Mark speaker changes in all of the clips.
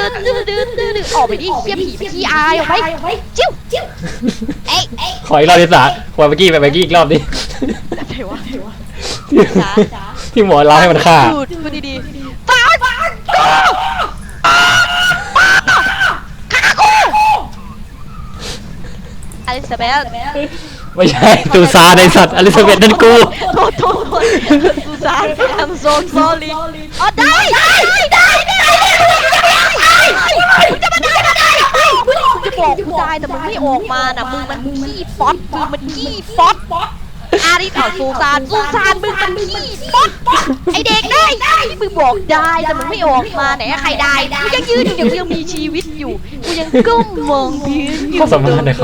Speaker 1: ออกไปดิเหี้ยผีไปขี้อายออกไปจิ้วเอ้ย
Speaker 2: ขออีกรอบดิสาขอเมื่อกี้อีกรอบดิ
Speaker 1: อะไรวะ
Speaker 2: ที่หมอเล่าให้มันฆ่า
Speaker 1: พูดดีๆฟาดฆ่ากูอลิซาเบธ
Speaker 2: ไม่ใช่ตูซาในสัตว์อลิซาเบธนั่นกู
Speaker 1: โทษซูซาน I'm so sorry อ๋อได้มึงจะมาได้มึงจะบอกกูได้แต่มึงไม่ออกมาน่ะมึงมันขี้ฟอสมึงมันขี้ฟอสอาริสเอาซูซานมึงมันขี้ฟอสไอเด็กได้มึงบอกได้แต่มึงไม่ออกมาไหนใครได้กูยังยืนอยู่กูยังมีชีวิตอยู่กูยังก้มมองพื้นอยู่
Speaker 2: ข้อสามารถนะครับ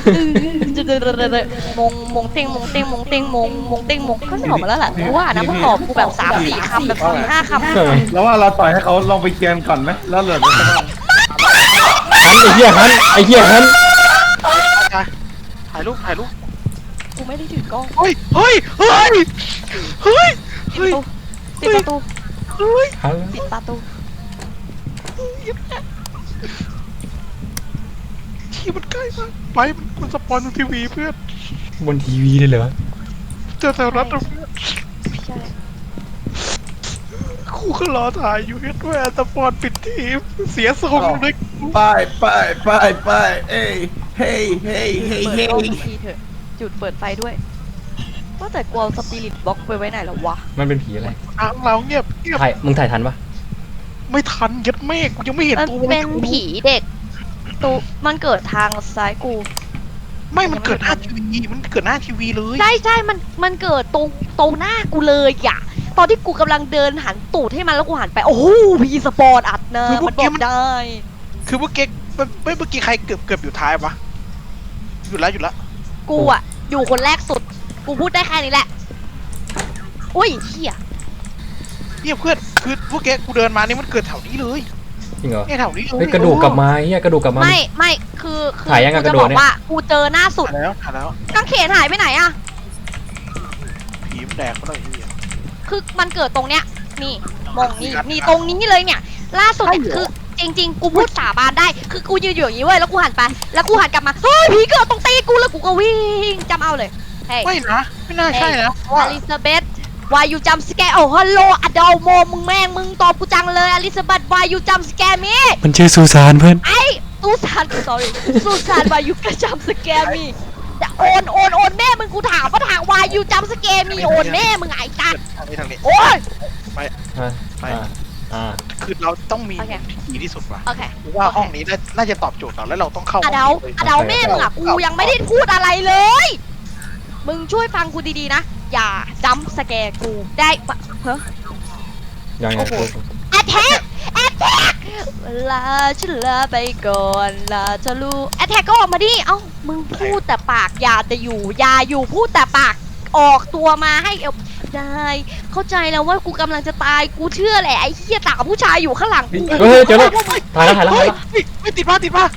Speaker 1: มงเต็งก็ไม่ออกมาแล้วแหละกูว่านะมึงตอบกูแบบ3-4 คำแบบ4-5 คำ
Speaker 3: แล้วว่าเราปล่อยให้เขาลองไปเกียนก่อนไหมแล้วเหลือจะ
Speaker 2: ฮันไอ้เหี้ยฮัน
Speaker 4: ถ่ายรูป
Speaker 1: กูไม่ได้ถือกล้อง
Speaker 4: เฮ้ย
Speaker 1: ปิดประตู
Speaker 2: ฮัน
Speaker 1: ปิดประตู
Speaker 4: ที่มันใกล้มากไปมันสปอนทีวีเพื่อน
Speaker 2: บนทีวีเลยเหรอ
Speaker 4: เจอแถวรัฐเพื่อน
Speaker 1: ใช่
Speaker 4: คู่ก็รอถ่ายอยู่ด้วยสปอนปิดทีมเสียทรงเลย
Speaker 3: ไปเอ้ยเฮ้ย
Speaker 1: เปิดกล้องทีเถอะจุดเปิดไฟด้วยว่าแต่กลัวสปิริตบ็อกไปไว้ไหนแล้ววะ
Speaker 2: มันเป็นผีอะไร
Speaker 4: ทางเราเงียบ
Speaker 2: มึงถ่ายทันปะ
Speaker 4: ไม่ทันยัดเมฆกูยังไม่เห็น
Speaker 1: มัน
Speaker 4: ตัว
Speaker 1: เป็นผีเด็กตูมันเกิดทางซ้ายกู
Speaker 4: ไม่มันเกิดหน้าทีวีเลย
Speaker 1: ใช่มันเกิดตรงหน้ากูเลยอะตอนที่กูกำลังเดินหันตูดให้มันแล้วกูหันไปโอ้โหพีสปอร์ตอัดนะมันบอกได้
Speaker 4: คือเมื่อกี้ใครเกือบอยู่ท้ายวะหยุดแล้ว
Speaker 1: กูอะอยู่คนแรกสุดกูพูดได้แค่นี้แหละอุ้ยเหี้ย
Speaker 4: เนี่ยเพื่อนคือเมื่อกี้กูเดินมานี่มันเกิดแถวนี้เลย
Speaker 2: จริงเหรอ
Speaker 4: เนี่ยแถวนี้เลย
Speaker 2: เฮ้ยกระดูกกลับมาเหี้ยกระดูกกลับมา
Speaker 1: ไม่คือ
Speaker 2: ถ่ายยังไง
Speaker 1: กู
Speaker 2: กระ
Speaker 1: จะ
Speaker 2: โด
Speaker 1: บ
Speaker 2: ด
Speaker 1: อก
Speaker 2: เนี่ย
Speaker 1: ว่ากูเจอหน้าสุด
Speaker 4: ถ่ายแล้ว
Speaker 1: กางเขนหายไปไหนอะ
Speaker 4: ผีมันแดกเขาเลยที่
Speaker 1: คือมันเกิดตรงเนี้ยนี่มองนี่ตรงนี้เลยเนี่ยล่าสุดเนี่ยคือจริงๆกูพูดสาบานได้คือกูยืนอยู่อย่างนี้เว้ยแล้วกูหันไปแล้วกูหันกลับมาเฮ้ยผีเกิดตรงตีกูแล้วกูก็วิ่งจำเอาเลยเฮ้ย
Speaker 4: ไม่นะไม่น่าใช่นะเพราะว่า
Speaker 1: อลิซาเบธวายูจำสแกโอ้ฮัลโหลอดอลโมมึงตอบกูจังเลยอลิซาเบธวายูจำสแกมี
Speaker 2: มันชื่อซูซานเพื่อน
Speaker 1: ไอ้ซูซาน sorry ซูซานวายูกระจำสแกมีโอนแม่มึงกูถามว่าทางวายูจำสแกมีโอนแม่มึงไอ้ตัด
Speaker 4: ทางนี้
Speaker 1: โอ้ย
Speaker 4: คือเราต้องมี
Speaker 1: โอเค
Speaker 4: ดีที่สุดว่ะ
Speaker 1: โอเค
Speaker 4: ว่าห้องนี้น่าจะตอบโจทย์เราแล้วเราต้องเข้า
Speaker 1: อดาวแม่มึงอ่ะกูยังไม่ได้พูดอะไรเลย มึงช่วยฟังกูดีๆนะอย่าจำสแกกูได้ปะเฮ้ย
Speaker 2: ยังไง
Speaker 1: แอทแทกลาฉันลาไปก่อนลาจะรู้แอทแทกก็ออกมาดิเอ้ามึงพูดแต่ปากอย่าอยู่พูดแต่ปากออกตัวมาให้ได้เข้าใจแล้วว่ากูกำลังจะตายกูเชื่อแหละไอ้เหี้ยตาผู้ชายอยู่ข้างหลังกู
Speaker 2: เฮ้ยเจอแล้วถ่ายแล้ว
Speaker 4: ไม่ติดผ้า
Speaker 2: ติดอ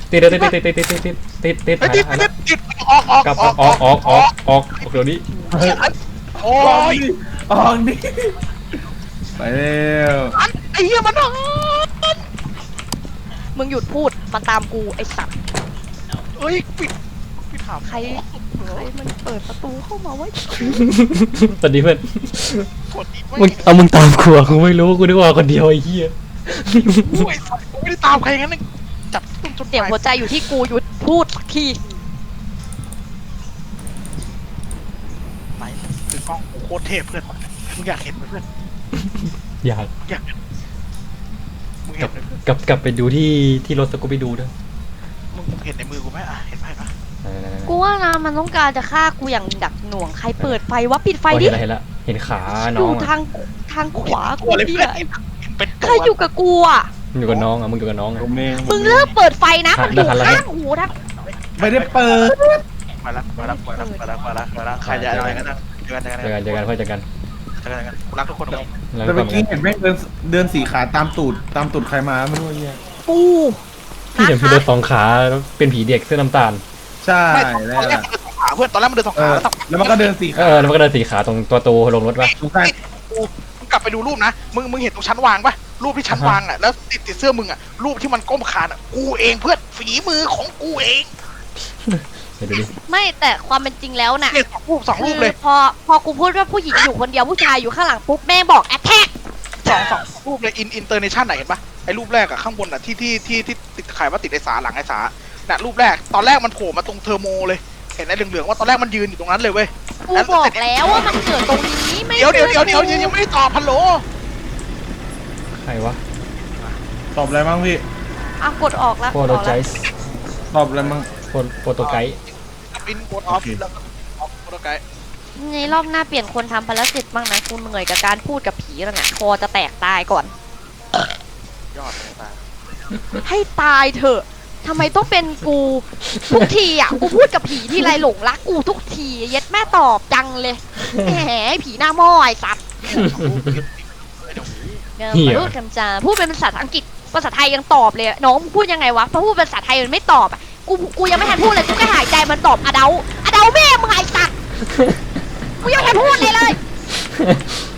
Speaker 2: อกเดี๋ยวนี้
Speaker 4: โอ้ย
Speaker 3: ออกดิไปเร็ว
Speaker 4: ไอ้เหี้ยมัน
Speaker 1: มึงหยุดพูดมันตามกูไอ้สัตว์
Speaker 4: เอ้ยปิดถาม
Speaker 1: ใครมันเปิดประตูเข้ามาไว้
Speaker 2: สวัสดีเพื่อน
Speaker 4: กดอีก
Speaker 2: มึงตามกูกูไม่รู้กูนึกว่าคนเดียวไอ้เหี้ย
Speaker 4: ไม่ได้ตามใครงั้นจับต้นจน
Speaker 1: เสียงหัวใจอยู่ที่กูหยุดพูดสักที
Speaker 4: ไหนคือกล้องโคตรเทพเพื่อนมึงอยากเห็นเพื่อน
Speaker 2: อยาก
Speaker 4: มึงเห็น
Speaker 2: กลับไปดูที่รถสกูไปดูด้วย
Speaker 4: มึงเห็นในมือกูไหมเห็นไหมปะ
Speaker 1: กูว่านะมันต้องการจะฆ่ากูอย่างดักหน่วงใครเปิดไฟวะปิดไฟดิ
Speaker 2: เห็นละเห็นขาน้
Speaker 1: อ
Speaker 2: อง
Speaker 1: ยู่ทางขวากู
Speaker 4: เลย
Speaker 1: เหี้
Speaker 4: เพื่อย นเป็น
Speaker 1: ใครอยู่กับกูอ่ะ
Speaker 2: อยู่กับน้องมึงอยู่กับน้อง
Speaker 3: ผมเอง
Speaker 1: มึงเลิกเปิดไฟนะมันอยู่ข้างหูทั้ง
Speaker 3: ไม่ได้เปิด
Speaker 4: มาละใครจะอะไรกันนะเจอกัน
Speaker 2: เจอกันค่อยเจอกัน
Speaker 4: กูรักทุกคนเลย
Speaker 3: แต่เมื่อกี้เห็นแม่งเดินสี่ขาตามตูดใครมาไม่รู้เนี่ย
Speaker 1: กู
Speaker 2: พี่เห็นพี่เดินสองขาเป็นผีเด็กเสื้อน้ำตาล
Speaker 3: ใช่
Speaker 4: ต
Speaker 3: แล้
Speaker 4: อนแรกเพื่อนตอนแรกมันเดินสองขา
Speaker 3: แล้วมันก็เดินสี่ขา
Speaker 2: แล้วมันก็เดินสีขาตรงตัวโตลงรถป่ะ
Speaker 3: ทุกท่าน
Speaker 4: มึงกลับไปดูรูปนะมึงเห็นตรงชั้นวางปะรูปที่ฉันวางอ่ะแล้วติดเสื้อมึงอ่ะรูปที่มันก้มคานอ่ะกูเองเพื่อนฝีมือของกูเอง
Speaker 2: เดี๋ยวดูดิ
Speaker 1: ไม่แต่ความเป็นจริงแล้วน่ะ
Speaker 4: เนี่ยสองรูปเลย
Speaker 1: พอกูพูดว่าผู้หญิงอยู่คนเดียวผู้ชายอยู่ข้างหลังปุ๊บแม่บอกแอทแทก
Speaker 4: สองรูปเลยอินเตอร์เนชั่นไหนเห็นปะไอ้รูปแรกอะข้างบนอะที่ติดใครว่าติดไอ้สาหลังไอ้สาน่ะรูปแรกตอนแรกมันโผล่มาตรงเทอร์โมเลยเห็นไอ้เหลืองๆว่าตอนแรกมันยืนอยู่ตรงนั้นเลยเว้ย
Speaker 1: กูบอกแล้วว่ามันเกิดตรงนี้ไม่
Speaker 4: เดี๋ยวยังไม่ได้ตอบฮัลโหล
Speaker 2: ใครวะ
Speaker 3: ตอบอะไรบ้างพี่
Speaker 1: อ่ะกดออกแล้ว
Speaker 2: โปรโตไจส์
Speaker 3: ตอบอะไรบ้าง
Speaker 2: โปรโตไกด์
Speaker 4: ปินโกดออฟ
Speaker 3: โอเค
Speaker 4: แล้วก็ออฟโปรโตไกด์
Speaker 1: ในรอบหน้าเปลี่ยนคนทำภารกิจบ้างนะกูเหนื่อยกับการพูดกับผีแล้วเนี่ยคอจะแตกตายก่อน
Speaker 4: ยอดเลยตา
Speaker 1: ให้ตายเถอะทำไมต้องเป็นกูทุกทีอ่ะกูพูดกับผีที่ไรหลงรักกูทุกทีเย็ดแม่ตอบจังเลยแหมผีหน้าหม้อไอ้สัตว์พูดคำจาพูดเป็นภาษาอังกฤษภาษาไทยยังตอบเลยน้องพูดยังไงวะพอพูดภาษาไทยมันไม่ตอบอ่ะกูยังไม่ทันพูดเลยกูก็หายใจมันตอบอเดาแม่มึงไอ้สัตว์กูยังไม่ทันพูดเลย